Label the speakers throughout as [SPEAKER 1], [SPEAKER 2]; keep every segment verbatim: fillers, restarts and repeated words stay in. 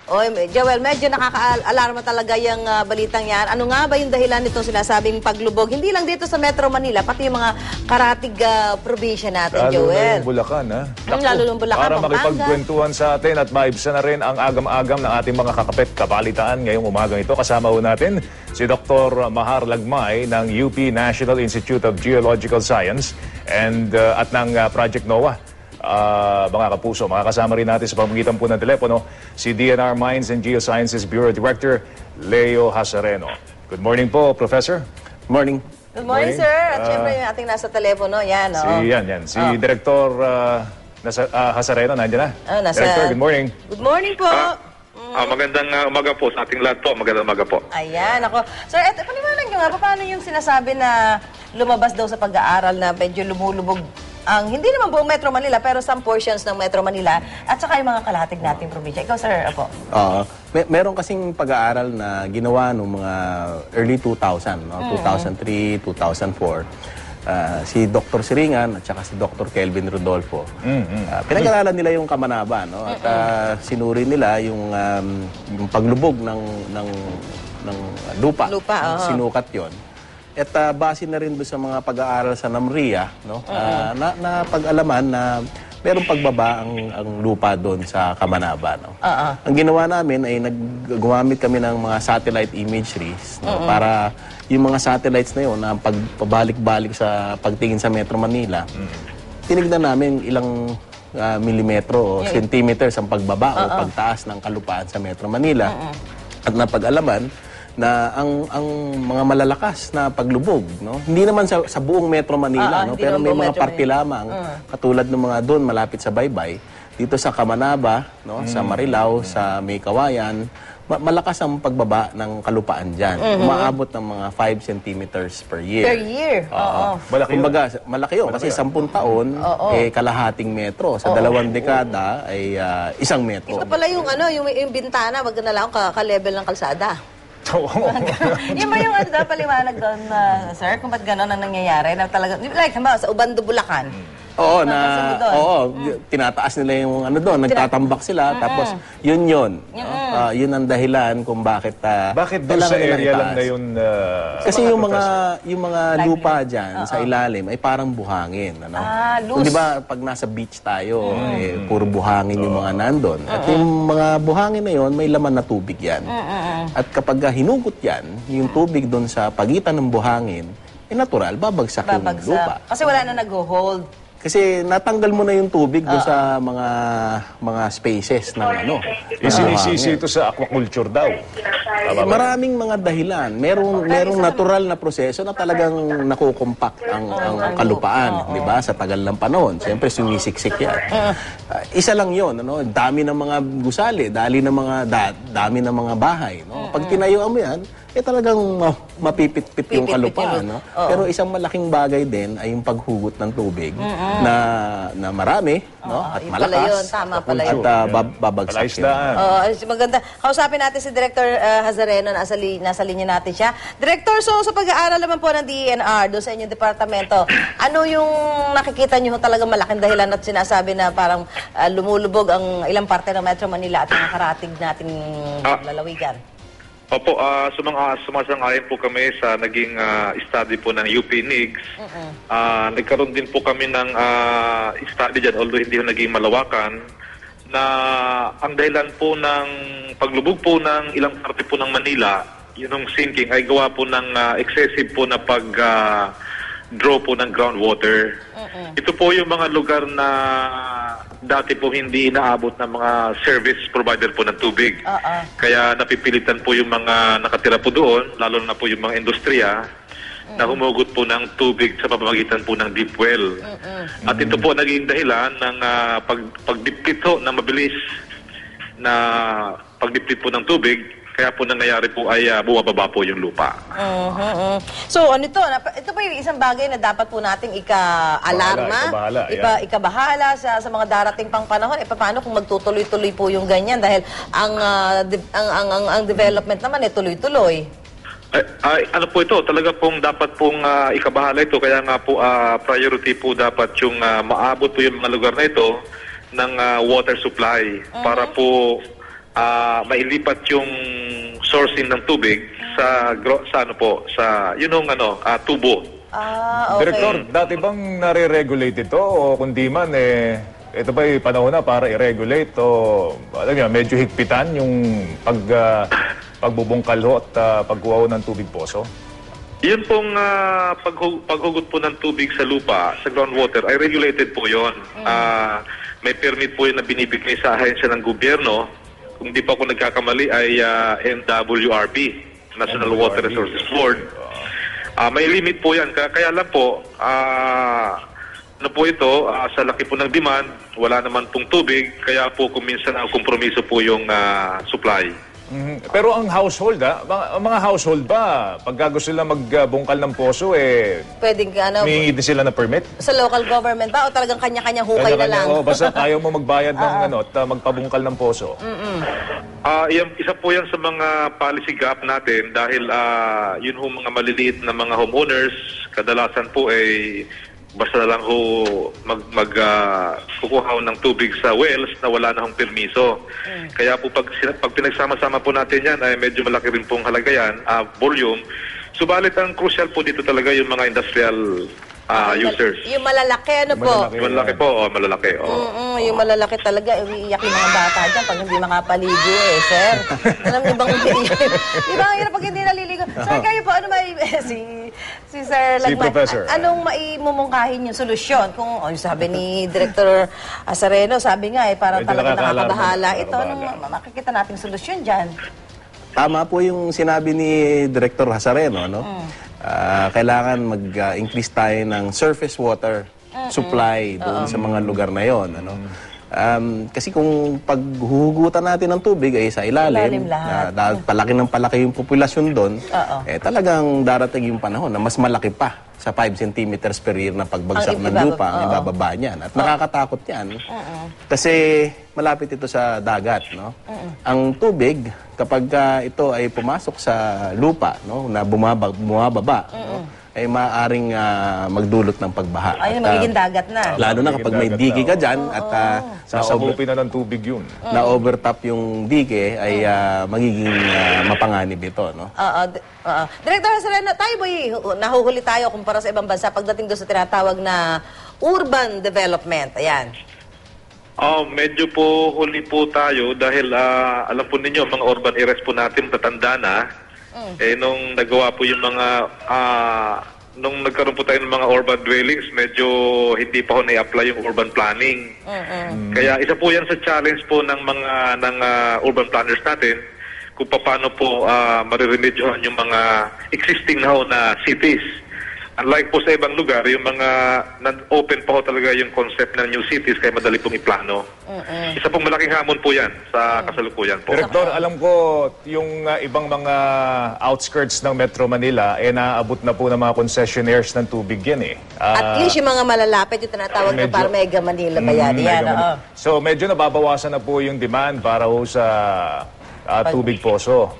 [SPEAKER 1] Oy, Joel, medyo nakaka-alarma talaga yung uh, balitang yan. Ano nga ba yung dahilan nitong sinasabing paglubog? Hindi lang dito sa Metro Manila, pati yung mga karatig uh, probinsya natin,
[SPEAKER 2] lalo
[SPEAKER 1] Joel.
[SPEAKER 2] Lalo yung Bulacan, ha?
[SPEAKER 1] Mm, lalo yung Bulacan,
[SPEAKER 2] para
[SPEAKER 1] Pampanga.
[SPEAKER 2] makipagkwentuhan sa atin at maibsan na rin ang agam-agam ng ating mga kakapit kabalitaan ngayong umagang ito. Kasama ho natin si Doctor Mahar Lagmay ng U P National Institute of Geological Science and uh, at ng uh, Project NOAA. Uh, mga kapuso, makakasama rin natin sa pamamagitan po ng telepono si D N R Mines and Geosciences Bureau Director Leo Hasareno. Good morning po, Professor.
[SPEAKER 3] Good morning.
[SPEAKER 1] Good morning,
[SPEAKER 2] morning.
[SPEAKER 1] sir. At
[SPEAKER 2] Uh,
[SPEAKER 1] syempre yung ating nasa telepono, yan.
[SPEAKER 2] Si,
[SPEAKER 1] Oh.
[SPEAKER 2] yan, yan. Si
[SPEAKER 1] Oh.
[SPEAKER 2] Director uh, nasa, uh, Hasareno, nandiyan na.
[SPEAKER 1] Oh, nasa...
[SPEAKER 2] Director, good morning.
[SPEAKER 1] Good morning po.
[SPEAKER 4] Ah, ah, magandang uh, umaga po sa ating lahat po. Magandang umaga po.
[SPEAKER 1] Ayan, ako. Sir, eto, paniwanan nyo nga, paano yung sinasabi na lumabas daw sa pag-aaral na medyo lumulubog ang, hindi naman buong Metro Manila, pero some portions ng Metro Manila at saka yung mga kalahatig nating probinsya. Ikaw, sir, apo.
[SPEAKER 3] Uh, may, meron kasing pag-aaral na ginawa noong mga early two thousand, no? two thousand three, two thousand four. Uh, si Doctor Siringan at saka si Doctor Kelvin Rodolfo.
[SPEAKER 2] Mm-hmm.
[SPEAKER 3] Uh, pinag-aralan nila yung Kamanaba, no? At uh, sinuri nila yung, um, yung paglubog ng, ng, ng lupa.
[SPEAKER 1] Lupa, oo.
[SPEAKER 3] Sinukat yon. At uh, base na rin doon sa mga pag-aaral sa NAMRIA, no? Uh, na, na pag-alaman na merong pagbaba ang, ang lupa doon sa Kamanaba. No?
[SPEAKER 1] Uh-uh.
[SPEAKER 3] Ang ginawa namin ay naggumamit kami ng mga satellite imageries, no? Para yung mga satellites na yun na pagpabalik-balik sa pagtingin sa Metro Manila, tinignan namin ilang uh, milimetro o
[SPEAKER 1] Yeah.
[SPEAKER 3] centimeters ang pagbaba
[SPEAKER 1] Uh-uh.
[SPEAKER 3] o pagtaas ng kalupaan sa Metro Manila. Uh-uh. At napag-alaman na ang ang mga malalakas na paglubog, no, hindi naman sa, sa buong Metro Manila,
[SPEAKER 1] Ah,
[SPEAKER 3] no,
[SPEAKER 1] hindi
[SPEAKER 3] pero
[SPEAKER 1] naman
[SPEAKER 3] may
[SPEAKER 1] buong
[SPEAKER 3] mga
[SPEAKER 1] Metro
[SPEAKER 3] parte
[SPEAKER 1] Manila.
[SPEAKER 3] lamang
[SPEAKER 1] Uh.
[SPEAKER 3] katulad ng mga doon malapit sa Baybay, dito sa Kamanaba, no, sa Marilao, sa May Kawayan, ma- malakas ang pagbaba ng kalupaan diyan. Umaabot ng mga five centimeters per year.
[SPEAKER 1] Per year. Oo.
[SPEAKER 2] Malaki yun.
[SPEAKER 3] Kumbaga, malaki yun. Kasi sampung taon,
[SPEAKER 1] Oo.
[SPEAKER 3] eh, kalahating metro. Sa dalawang dekada, ay ah, isang metro.
[SPEAKER 1] Ito pala yung ano, yung, yung bintana, wag na lang ka- ka-level ng kalsada. Yun ba yung ano daw, paliwanag doon, uh, sir, kung ba't gano'n ang nangyayari? Na talaga, like, halimbawa, sa Ubando, Bulacan.
[SPEAKER 3] Oo,
[SPEAKER 1] Napansin mo
[SPEAKER 3] na,
[SPEAKER 1] doon?
[SPEAKER 3] oo, tinataas nila yung ano doon, nagtatambak sila, tapos yun yun. no? Ah, yun ang dahilan kung bakit ah,
[SPEAKER 2] Bakit doon sa
[SPEAKER 3] kailangan nilang
[SPEAKER 2] area lang
[SPEAKER 3] itaas.
[SPEAKER 2] na yun? Uh,
[SPEAKER 3] Kasi yung mga yung mga
[SPEAKER 1] Live
[SPEAKER 3] lupa
[SPEAKER 1] lang.
[SPEAKER 3] diyan sa ilalim ay parang buhangin, ano?
[SPEAKER 1] Ah,
[SPEAKER 3] Kung
[SPEAKER 1] loose.
[SPEAKER 3] 'di ba pag nasa beach tayo, eh, puro buhangin yung mga nandun. At yung mga buhangin na yon, may laman na tubig 'yan. At kapag ah, hinugot 'yan, yung tubig doon sa pagitan ng buhangin, eh natural babagsak, yung lupa.
[SPEAKER 1] Babagsak. Kasi wala na nag-hold.
[SPEAKER 3] Kasi natanggal mo na yung tubig doon sa mga mga spaces ng ano.
[SPEAKER 2] isinisisi ito sa aquaculture daw.
[SPEAKER 3] Eh, maraming mga dahilan. Merong merong natural na proseso na talagang nakukompak ang, ang, ang kalupaan, di ba? Sa tagal ng panahon. Siyempre sumisiksik 'yan. Ah, isa lang 'yon, ano? Dami ng mga gusali, dali ng mga da, dami ng mga bahay, no? Pag tinayuan mo 'yan, eh talagang ma- mapipit-pit yung
[SPEAKER 1] Pipit-pit
[SPEAKER 3] kalupaan,
[SPEAKER 1] yun.
[SPEAKER 3] no?
[SPEAKER 1] Oo.
[SPEAKER 3] Pero isang malaking bagay din ay yung paghugot ng tubig na na marami, no? At
[SPEAKER 1] yun pala
[SPEAKER 3] malakas.
[SPEAKER 1] yun. Tama pala
[SPEAKER 3] At
[SPEAKER 1] yun.
[SPEAKER 3] ah, bab- babagsak yun.
[SPEAKER 2] Palaisdaan.
[SPEAKER 1] Oo, ay, maganda. Kausapin natin si Director uh, Hasareno, nasa, li nasa linya natin siya. Director, so sa pag-aaral naman po ng D N R, doon sa inyong departamento, ano yung nakikita nyo talaga malaking dahilan at sinasabi na parang uh, lumulubog ang ilang parte ng Metro Manila at mga karatig nating
[SPEAKER 4] Ah.
[SPEAKER 1] lalawigan?
[SPEAKER 4] Opo, uh, sumang, uh, sumasang-ayon po kami sa naging ah, study po ng U P N I G S. Ah, nagkaroon din po kami ng ah, study dyan, although hindi ho naging malawakan, na ang dahilan po ng paglubog po ng ilang parte po ng Manila, yun yung sinking, ay gawa po ng ah, excessive po na pag ah, draw po ng groundwater. Ito po yung mga lugar na dati po hindi inaabot ng mga service provider po ng tubig.
[SPEAKER 1] Oo.
[SPEAKER 4] Kaya napipilitan po yung mga nakatira po doon, lalo na po yung mga industriya, na humugot po ng tubig sa pamamagitan po ng deep well. At ito po naging dahilan ng uh, pag, pagdiplit ho ng mabilis na pagdiplit po ng tubig. Kaya po nangyayari po ay uh, bumababa po yung lupa.
[SPEAKER 1] Mhm, mhm. So, ano ito? Nap- Ito pa yung isang bagay na dapat po nating ika-alarma,
[SPEAKER 2] Bahala, ikabahala,
[SPEAKER 1] ipa,
[SPEAKER 2] yeah.
[SPEAKER 1] ikabahala sa, sa mga darating pang panahon. E paano kung magtutuloy-tuloy po yung ganyan? Dahil ang, ah, de- ang, ang, ang, ang development naman eh tuloy-tuloy.
[SPEAKER 4] Ay, ay, ano po ito, talaga pong dapat pong uh, ikabahala ito. Kaya nga po uh, priority po dapat yung uh, maabot po yung mga lugar na ito ng uh, water supply para po ah, mailipat yung sourcing ng tubig sa gro- sa ano po, sa yun yung ano, ah, tubo.
[SPEAKER 1] Ah, okay.
[SPEAKER 2] Director, dati bang nare-regulate ito o kundi man eh, ito ba'y panahon na para i-regulate o alam niyo, medyo higpitan yung pag, ah, pagbubungkal ho at ah, pagkuha ho ng tubig poso?
[SPEAKER 4] Yun pong ah, paghu- paghugot po ng tubig sa lupa, sa groundwater, ay regulated po yun. Ah, may permit po yun na binibigay sa ahensya ng gobyerno. Kung di pa ako nagkakamali ay ah, N W R B, National Water Resources Board. Ah, may limit po yan. Kaya, kaya lang po, ah, ano po ito, ah, sa laki po ng demand, wala naman pong tubig, kaya po kuminsan ang kompromiso po yung ah, supply.
[SPEAKER 2] Mhm. Pero ang household, ah, mga, ang mga household ba, pagka gusto sila magbungkal ng poso, eh,
[SPEAKER 1] Pwedeng ano,
[SPEAKER 2] may din sila ng permit?
[SPEAKER 1] sa local government ba o talagang kanya-kanyang hukay na lang?
[SPEAKER 2] Kanya-kanya, oh, basta ayaw mo magbayad ng ano, at ah, magpabungkal ng poso.
[SPEAKER 4] Ah, yan, isa po yan sa mga policy gap natin dahil ah, yun ho mga maliliit na mga homeowners, kadalasan po ay basta na lang ho mag, mag ah, kukuha ho ng tubig sa wells na wala na hong permiso. Kaya po pag, sina- pag pinagsama-sama po natin yan ay medyo malaki rin pong halaga yan, ah, volume. Subalit ang crucial po dito talaga yung mga industrial ah, users.
[SPEAKER 1] Yung malalaki, ano
[SPEAKER 2] Yung
[SPEAKER 1] po?
[SPEAKER 2] malalaki.
[SPEAKER 4] Malaki po, oh, malalaki. Oh.
[SPEAKER 1] Mm-mm, yung malalaki talaga, umiiyak yung mga bata dyan pag hindi makapaligo eh, sir. Alam niyo bang umiiyak? Di ba ang hirap pag hindi naliligo? Sir, kayo po, ano may, si, si Sir
[SPEAKER 2] Si
[SPEAKER 1] Lagman,
[SPEAKER 2] Professor.
[SPEAKER 1] a- anong maimumungkahin yung solusyon? Kung, oh, sabi ni Director Azareno, sabi nga eh, parang
[SPEAKER 2] Medyo
[SPEAKER 1] talaga
[SPEAKER 2] nakaka-alarma,
[SPEAKER 1] nakakabahala. Ito, anong
[SPEAKER 2] nakakabahala.
[SPEAKER 1] ma- makikita nating solusyon dyan?
[SPEAKER 3] Tama po yung sinabi ni Director Hasareno, no? Ah, kailangan mag-increase tayo ng surface water supply doon sa mga lugar na yon, ano? Um, kasi kung paghuhugutan natin ng tubig ay sa ilalim,
[SPEAKER 1] Ilalim lahat.
[SPEAKER 3] na dahil palaki ng palaki yung populasyon doon,
[SPEAKER 1] Oo.
[SPEAKER 3] eh talagang darating yung panahon na mas malaki pa sa five centimeters per year na pagbagsak
[SPEAKER 1] Ang
[SPEAKER 3] ng
[SPEAKER 1] ibababa-
[SPEAKER 3] lupa, ang
[SPEAKER 1] oo.
[SPEAKER 3] ibababa niyan. At nakakatakot yan. Kasi malapit ito sa dagat, no? Ang tubig, kapag ah, ito ay pumasok sa lupa, no, na bumaba, bumababa, no, ay maaaring ah, magdulot ng pagbaha.
[SPEAKER 1] Ayun,
[SPEAKER 3] At, ah,
[SPEAKER 1] magiging dagat na.
[SPEAKER 3] Lalo na kapag may
[SPEAKER 2] Magiging
[SPEAKER 3] digi ka
[SPEAKER 2] dagat
[SPEAKER 3] dyan at ah, na-over-
[SPEAKER 2] Sasabupin na ng tubig yun.
[SPEAKER 3] na-overtop yung dike, ay ah, magiging ah, mapanganib ito, no?
[SPEAKER 1] Oo. d- oo. Director Serena, tayo ba nahuhuli tayo kumpara sa ibang bansa pagdating doon sa tinatawag na urban development? Ayan.
[SPEAKER 4] Oh, medyo po huli po tayo dahil ah, alam po ninyo, mga urban areas po natin tatanda na. Eh, nung nagawa po yung mga, ah, nung nagkaroon po tayo ng mga urban dwellings, medyo hindi pa ho na-apply yung urban planning. Kaya isa po yan sa challenge po ng mga ng ah, urban planners natin kung paano po uh, mariremedyohan yung mga existing na ho na cities. Unlike po sa ibang lugar, yung mga open pa ho talaga yung concept ng new cities kaya madali pong iplano. Isa pong malaking hamon po yan sa kasalukuyan po.
[SPEAKER 2] Direktor, alam ko yung uh, ibang mga outskirts ng Metro Manila, eh naabot na po ng mga concessionaires ng tubig yan eh. Ah,
[SPEAKER 1] At least yung mga malalapit, yung tinatawag na
[SPEAKER 2] medyo-
[SPEAKER 1] para Mega Manila ba yan?
[SPEAKER 2] mm,
[SPEAKER 1] Yan,
[SPEAKER 2] medyo-
[SPEAKER 1] oo.
[SPEAKER 2] So medyo nababawasan na po yung demand para ho sa ah, tubig poso.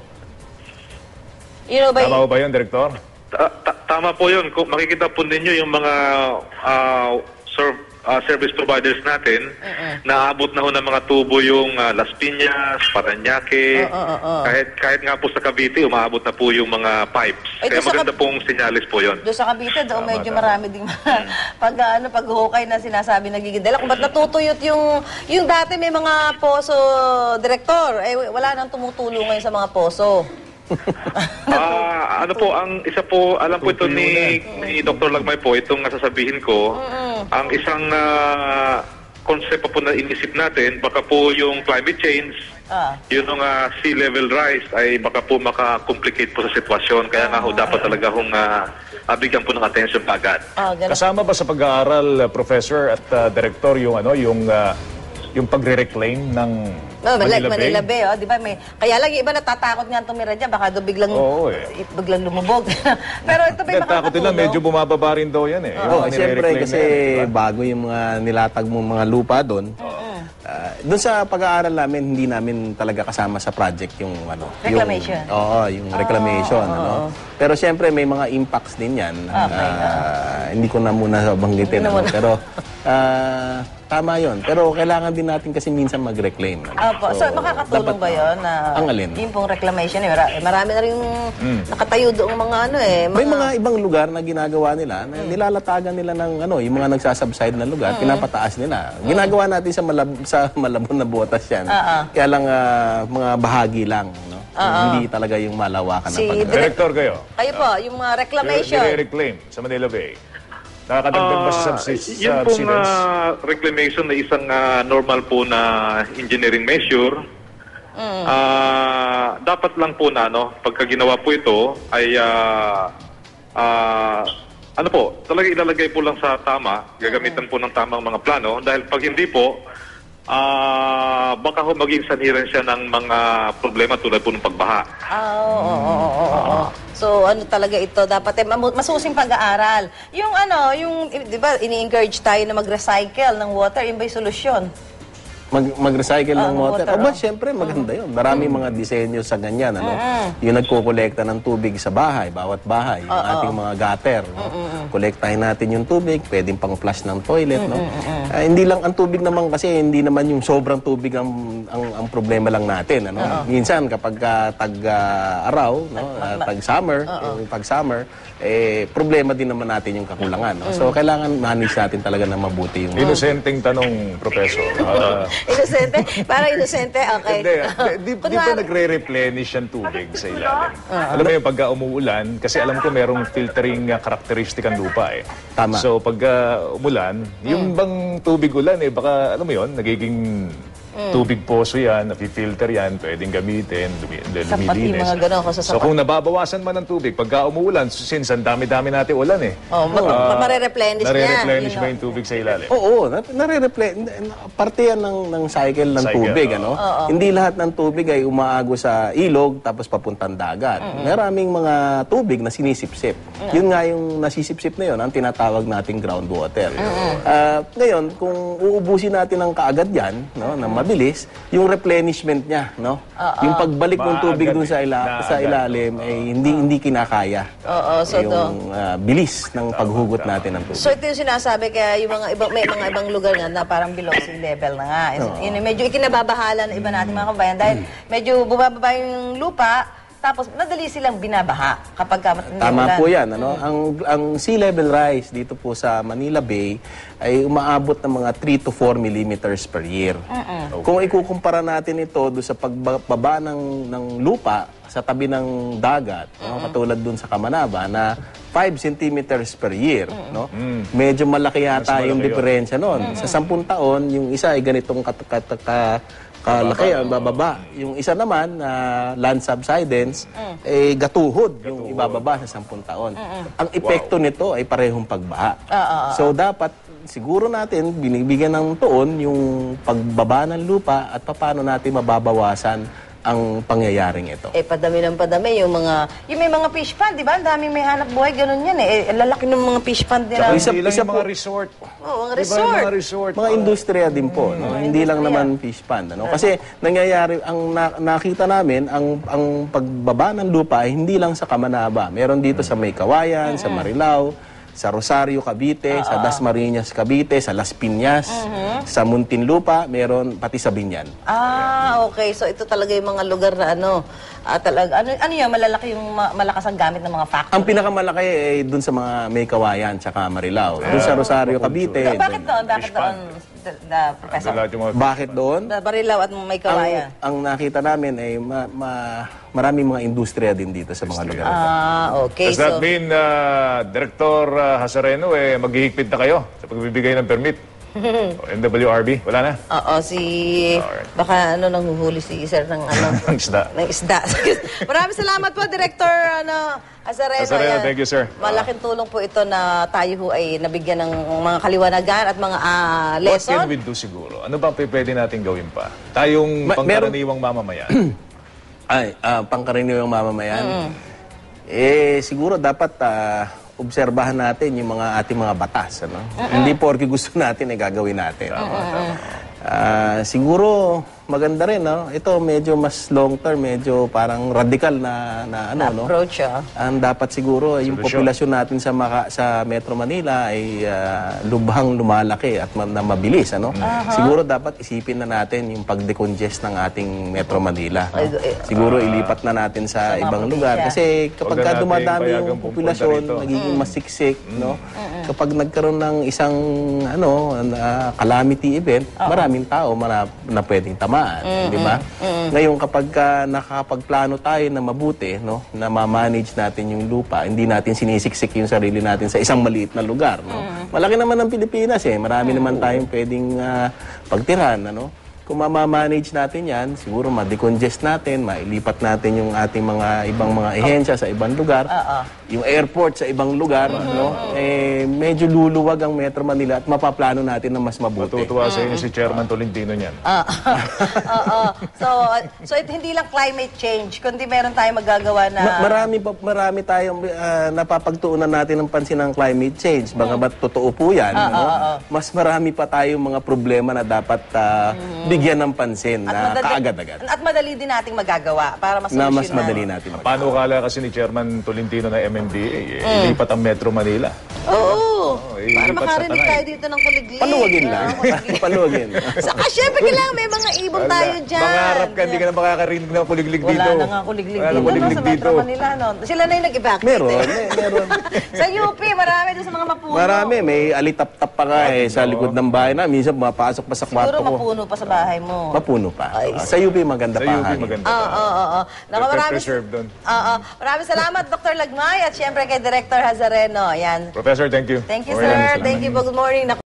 [SPEAKER 1] You know ba,
[SPEAKER 2] Tama ho ba yun, Direktor?
[SPEAKER 4] Ta- ta- tama po yun. Kung makikita po ninyo yung mga ah, ser- ah, service providers natin, naabot na ho ng mga tubo yung ah, Las Piñas, Parañaque, kahit kahit nga po sa Cavite, umaabot na po yung mga pipes.
[SPEAKER 1] Ay,
[SPEAKER 4] Kaya
[SPEAKER 1] doon sa
[SPEAKER 4] maganda
[SPEAKER 1] Cav-
[SPEAKER 4] pong sinyalis po yun.
[SPEAKER 1] doon sa Cavite, doon
[SPEAKER 2] Tama,
[SPEAKER 1] medyo
[SPEAKER 2] tama.
[SPEAKER 1] marami ding pag ano, paghukay na sinasabi nagiging dala. Kung ba't natutuyot yung, yung dati may mga poso, Director, eh wala nang tumutulong ngayon sa mga poso.
[SPEAKER 4] Ah, ano po, ang isa po, alam po ito ni, ni Doctor Lagmay po, itong nasasabihin ko, ang isang ah, concept pa po na inisip natin, baka po yung climate change,
[SPEAKER 1] Ah.
[SPEAKER 4] yun ang ah, sea level rise ay baka po maka-complicate po sa sitwasyon. Kaya nga ho, dapat talaga hong uh, bigyan po ng attention agad.
[SPEAKER 1] Ah, ganun.
[SPEAKER 2] Kasama ba sa pag-aaral, uh, Professor at uh, Director, yung ano, yung uh, yung pagre-reclaim ng
[SPEAKER 1] No, like
[SPEAKER 2] Manila Bay?
[SPEAKER 1] Manila Bay, oh, di ba? May, kaya lang yung iba natatakot nga tumira dyan, baka doon biglang,
[SPEAKER 2] Oo, eh.
[SPEAKER 1] biglang lumubog. Pero ito ba
[SPEAKER 2] Hindi, takot nila, medyo bumababa rin daw yan eh.
[SPEAKER 3] Oo,
[SPEAKER 2] Yung
[SPEAKER 3] siyempre
[SPEAKER 2] nire-reclaim
[SPEAKER 3] kasi
[SPEAKER 2] na yan, di ba?
[SPEAKER 3] bago yung mga nilatag mo mga lupa doon. ah, doon sa pag-aaral namin, hindi namin talaga kasama sa project yung ano,
[SPEAKER 1] Reclamation.
[SPEAKER 3] Yung, oo, yung reclamation, ano. Pero siyempre may mga impacts din 'yan.
[SPEAKER 1] Okay,
[SPEAKER 3] Ah, hindi ko na muna banggitin,
[SPEAKER 1] Hindi na
[SPEAKER 3] ano.
[SPEAKER 1] muna.
[SPEAKER 3] Pero ah, tama yon. Pero kailangan din natin kasi minsan mag-reclaim. Ano?
[SPEAKER 1] Opo. So, makakatulong
[SPEAKER 3] dapat-
[SPEAKER 1] ba yun? Na
[SPEAKER 3] Ang alin?
[SPEAKER 1] Yung pong reclamation, eh, mara- marami na rin nakatayo doong mga ano eh.
[SPEAKER 3] May mga ibang lugar na ginagawa nila, na nilalatagan nila ng ano, yung mga nagsasubside na lugar, pinapataas nila. Ginagawa natin sa malab sa malabon na butas yan.
[SPEAKER 1] Oo.
[SPEAKER 3] Kaya lang ah, mga bahagi lang, no? Hindi talaga yung malawakan
[SPEAKER 1] Si
[SPEAKER 3] na pag-
[SPEAKER 1] Direk-
[SPEAKER 2] Director kayo.
[SPEAKER 1] Kayo po, yung mga reclamation.
[SPEAKER 2] Nire-reclaim sa Manila Bay. Nakakadagdag ba sa
[SPEAKER 4] Ah,
[SPEAKER 2] subsist-
[SPEAKER 4] yun pong
[SPEAKER 2] subsidence?
[SPEAKER 4] ah, reclamation na isang ah, normal po na engineering measure. Ah, dapat lang po na ano, pagka ginawa po ito ay ah, ah, ano po, talaga ilalagay po lang sa tama, gagamitan po ng tamang mga plano dahil pag hindi po ah, baka ho maging sanhiran siya ng mga problema tulad po ng pagbaha.
[SPEAKER 1] Ah, oo, oo, oo, oo, oo. So, ano talaga ito? Dapat eh, mamu- masusing pag-aaral. Yung ano, yung, eh, di ba, ini-encourage tayo na mag-recycle ng water, yun ba'y solusyon?
[SPEAKER 3] Mag, mag-recycle ng
[SPEAKER 1] Ah,
[SPEAKER 3] water.
[SPEAKER 1] water,
[SPEAKER 3] O ba,
[SPEAKER 1] oh.
[SPEAKER 3] syempre, maganda yun. Marami mga disenyo sa ganyan. Ano? Yung nagkukolekta ng tubig sa bahay, bawat bahay, yung ating mga gutter. No? Kolektahin natin yung tubig, pwedeng pang flush ng toilet. No? Ah, hindi lang ang tubig naman kasi, hindi naman yung sobrang tubig ang, ang, ang problema lang natin. Ano? Minsan, kapag uh, tag-araw, no? uh, tag-summer, yung pag-summer, eh, problema din naman natin yung kakulangan. No? So, kailangan manage natin talaga na mabuti yung...
[SPEAKER 2] Inosenteng tanong, Professor. Ah,
[SPEAKER 1] Inosente? Parang inosente? Okay.
[SPEAKER 2] Hindi, di, di, di ba
[SPEAKER 1] Kunwari-
[SPEAKER 2] nagre-replenish ang tubig sa ilalim? Alam mo yung pagka umuulan, kasi alam ko merong filtering uh, characteristic ang lupa eh.
[SPEAKER 3] Tama.
[SPEAKER 2] So pagka umulan, yung bang tubig ulan eh, baka alam mo yon nagiging tubig poso yan, napi-filter yan, pwedeng gamitin, lumi,
[SPEAKER 1] Sa pati
[SPEAKER 2] lumilinis.
[SPEAKER 1] mga ganun, kung sa
[SPEAKER 2] So
[SPEAKER 1] sapat.
[SPEAKER 2] kung nababawasan man ang tubig, pagka umuulan, since ang dami-dami natin ulan eh.
[SPEAKER 1] Oh, mag-
[SPEAKER 2] ah,
[SPEAKER 1] mare-replenish niya.
[SPEAKER 2] nare-replenish
[SPEAKER 1] Yun,
[SPEAKER 2] ba
[SPEAKER 1] no?
[SPEAKER 2] yung tubig sa ilalim?
[SPEAKER 3] Oo, na- nare-replay. Parte yan ng, ng cycle ng
[SPEAKER 2] Cycle,
[SPEAKER 3] tubig.
[SPEAKER 2] oo.
[SPEAKER 3] Ano? Hindi lahat ng tubig ay umaago sa ilog tapos papuntang dagat. Maraming mga tubig na sinisipsip. Yun nga yung nasisipsip na yun, ang tinatawag nating groundwater. Ah, ngayon, kung uubusin natin ng kaagad yan, no, na mabilis, yung replenishment niya, no? Yung pagbalik ng tubig
[SPEAKER 2] Maagad
[SPEAKER 3] dun sa, ila-
[SPEAKER 2] eh.
[SPEAKER 3] sa
[SPEAKER 2] Naagad.
[SPEAKER 3] ilalim, ay hindi hindi kinakaya.
[SPEAKER 1] Oo, so to.
[SPEAKER 3] yung ah, bilis ng paghugot natin ng tubig.
[SPEAKER 1] So ito yung sinasabi kaya yung mga ibang may mga ibang lugar nga na parang below sea level na nga. Yun, yung medyo ikinababahala ng iba nating mga kabayan dahil medyo bumababa yung lupa tapos madali silang binabaha kapag ka matindi
[SPEAKER 3] Tama
[SPEAKER 1] ulan.
[SPEAKER 3] po yan. Ano? Ang, ang sea level rise dito po sa Manila Bay ay umaabot ng mga three to four millimeters per year. Kung ikukumpara natin ito do sa pagbaba ng, ng lupa sa tabi ng dagat, no? Katulad dun sa Kamanaba na five centimeters per year. No? Medyo malaki yata
[SPEAKER 2] Mas
[SPEAKER 3] yung
[SPEAKER 2] malaki yun.
[SPEAKER 3] diferensya nun. Sa sampung taon, yung isa ay ganitong kat kat ka kalaki ang bababa. Yung isa naman na land subsidence eh gatuhod yung ibababa sa sampung taon. Ang epekto nito ay parehong pagbaha. So dapat siguro natin binibigyan ng tuon yung pagbaba ng lupa at paano natin mababawasan ang pangyayaring ito.
[SPEAKER 1] Eh, padami ng padami yung mga, yung may mga fish pond, di ba? Ang daming may hanap buhay, ganun yan eh. Eh, lalaki ng mga fish pond nila.
[SPEAKER 2] Tsaka
[SPEAKER 3] Isa-
[SPEAKER 2] hindi lang
[SPEAKER 3] isa
[SPEAKER 2] yung mga
[SPEAKER 3] po-
[SPEAKER 2] resort.
[SPEAKER 1] Oo, ang
[SPEAKER 2] Di ba yung
[SPEAKER 1] resort.
[SPEAKER 2] mga resort?
[SPEAKER 3] Mga industriya din po, no? Hindi lang naman fish pond, ano? Kasi nangyayari ang na- nakita namin ang ang pagbaba ng lupa ay hindi lang sa Kamanaba. Meron dito sa May Kawayan, sa Marilao, sa Rosario, Cavite, sa Dasmariñas, Cavite, sa Las Piñas, sa Muntinlupa, meron pati sa Binyan.
[SPEAKER 1] Ah, okay. So ito talaga yung mga lugar na ano, ah, talaga, ano, ano yan, malalaki yung ma- malakas ang gamit ng mga factory.
[SPEAKER 3] Ang pinakamalaki ay dun sa mga May Kawayan tsaka Marilao. Dun sa Rosario, Cavite.
[SPEAKER 1] So, bakit
[SPEAKER 3] dun-
[SPEAKER 1] doon? Bakit
[SPEAKER 2] Fish pond.
[SPEAKER 1] doon, the, the professor?
[SPEAKER 2] Lahat yung mga
[SPEAKER 3] Bakit doon?
[SPEAKER 1] The Barilaw at may
[SPEAKER 3] Ang,
[SPEAKER 1] kawayan.
[SPEAKER 3] ang nakita namin ay ma, ma- maraming mga industriya din dito sa mga lugar ito.
[SPEAKER 1] Ah, okay.
[SPEAKER 2] Does
[SPEAKER 1] So,
[SPEAKER 2] that mean, uh, Director uh, Hasareno, eh, maghihigpit na kayo sa pagbibigay ng permit? O, N W R B, wala na?
[SPEAKER 1] oo, si,
[SPEAKER 2] Alright.
[SPEAKER 1] baka ano, nanghuhuli si sir ng ano,
[SPEAKER 2] Ang isda.
[SPEAKER 1] ng isda. Maraming salamat po, Director ano, Azareno.
[SPEAKER 2] Azareno,
[SPEAKER 1] Yan.
[SPEAKER 2] thank you, sir.
[SPEAKER 1] Malaking tulong po ito na tayo ho ay nabigyan ng mga kaliwanagan at mga ah,
[SPEAKER 2] What
[SPEAKER 1] lesson.
[SPEAKER 2] can we do siguro? Ano ba pwede natin gawin pa? Tayong
[SPEAKER 3] Ma-
[SPEAKER 2] pangkaraniwang mamamayan.
[SPEAKER 3] Ay, ah, pangkaraniwang mamamayan. Eh, siguro dapat ah, obserbahan natin yung mga ating mga batas. Ano? Hindi porke gusto natin, eh, gagawin natin. Ah, siguro, maganda rin, no? Ito medyo mas long term, medyo parang radical na, na ano, no?
[SPEAKER 1] Approach, ah.
[SPEAKER 3] Ang dapat siguro, yung
[SPEAKER 2] Solusyon.
[SPEAKER 3] populasyon natin sa Maka, sa Metro Manila ay ah, lubhang lumalaki at ma- na mabilis, ano? Siguro dapat isipin na natin yung pag-decongest ng ating Metro Manila. no?
[SPEAKER 1] Ay, eh,
[SPEAKER 3] Siguro ilipat na natin sa,
[SPEAKER 1] mga
[SPEAKER 3] ibang
[SPEAKER 1] probinsya.
[SPEAKER 3] lugar. Kasi kapag
[SPEAKER 2] Huwag na
[SPEAKER 3] ka
[SPEAKER 2] nating
[SPEAKER 3] dumadami
[SPEAKER 2] payagang
[SPEAKER 3] yung
[SPEAKER 2] pupunta
[SPEAKER 3] populasyon,
[SPEAKER 2] rito.
[SPEAKER 3] nagiging masiksik, no? Kapag nagkaroon ng isang ano na calamity event, maraming tao mara, na pwedeng tamaan, di ba? Ngayon kapag ka nakakapagplano tayo na mabuti, no, na ma-manage natin yung lupa, hindi natin sinisiksik yung sarili natin sa isang maliit na lugar, no. Malaki naman ang Pilipinas eh, marami naman tayong pwedeng ah, pagtirhan, ano. Kung ma-manage natin yan, siguro ma-decongest natin, mailipat natin yung ating mga ibang mga ehensya sa ibang lugar, yung airport sa ibang lugar, no? Eh, medyo luluwag ang Metro Manila at mapaplano natin na mas mabuti.
[SPEAKER 2] Matutuwa sa inyo si Chairman Tolentino niyan.
[SPEAKER 1] Ah, Oo. So, so it, hindi lang climate change, kundi meron tayong magagawa na...
[SPEAKER 3] Ma- marami pa marami tayong ah, napapagtuunan natin ng pansin ng climate change. Baka ba totoo po 'yan, ano? Mas marami pa tayong mga problema na dapat ah, bigyan ng pansin na kaagad-agad.
[SPEAKER 1] At madali din nating magagawa para mas
[SPEAKER 3] Na mas madali natin. mag-
[SPEAKER 2] Paano kala kasi ni Chairman Tolentino na M M D A, eh, ilipat ang Metro Manila.
[SPEAKER 1] Oo.
[SPEAKER 2] eh,
[SPEAKER 1] Para
[SPEAKER 2] ilipat sa
[SPEAKER 1] makarinig
[SPEAKER 2] Tanay.
[SPEAKER 1] tayo dito ng kuliglig.
[SPEAKER 3] Paluwagin lang.
[SPEAKER 1] Ah, kuliglig.
[SPEAKER 3] Paluwagin.
[SPEAKER 1] Saka syempre kailangan may mga ibon tayo dyan.
[SPEAKER 2] Mangarap ka, hindi ka na makakarinig ng kuliglig
[SPEAKER 1] Wala
[SPEAKER 2] dito.
[SPEAKER 1] na nga kuliglig
[SPEAKER 2] Wala
[SPEAKER 1] dito,
[SPEAKER 2] na
[SPEAKER 1] no,
[SPEAKER 2] kuliglig
[SPEAKER 1] sa
[SPEAKER 2] dito.
[SPEAKER 1] Metro Manila. No? Sila na yung nag-evacuate.
[SPEAKER 3] Meron,
[SPEAKER 1] eh.
[SPEAKER 3] may- meron.
[SPEAKER 1] Sa U P, marami doon sa mga mapuno.
[SPEAKER 3] Marami, may alitap-tap pa nga eh sa likod ng bahay na. Minsan mapasok pa sa
[SPEAKER 1] Siguro
[SPEAKER 3] kwarto ko.
[SPEAKER 1] mapuno pa sa bahay mo.
[SPEAKER 3] Mapuno pa. Ah, sa U P maganda
[SPEAKER 2] Sa
[SPEAKER 3] pa.
[SPEAKER 2] U P
[SPEAKER 3] hangin.
[SPEAKER 2] maganda
[SPEAKER 1] Oo,
[SPEAKER 2] pa.
[SPEAKER 1] oo, oo. Naku,
[SPEAKER 2] Pepper
[SPEAKER 1] maraming,
[SPEAKER 2] preserve doon.
[SPEAKER 1] Oo, maraming salamat, Doctor Lagmay, at syempre kay Director Hazareno. Yan.
[SPEAKER 2] Professor, thank you.
[SPEAKER 1] Thank you,
[SPEAKER 2] Okay lang,
[SPEAKER 1] sir.
[SPEAKER 2] salamat.
[SPEAKER 1] Thank you. Good morning. Naku,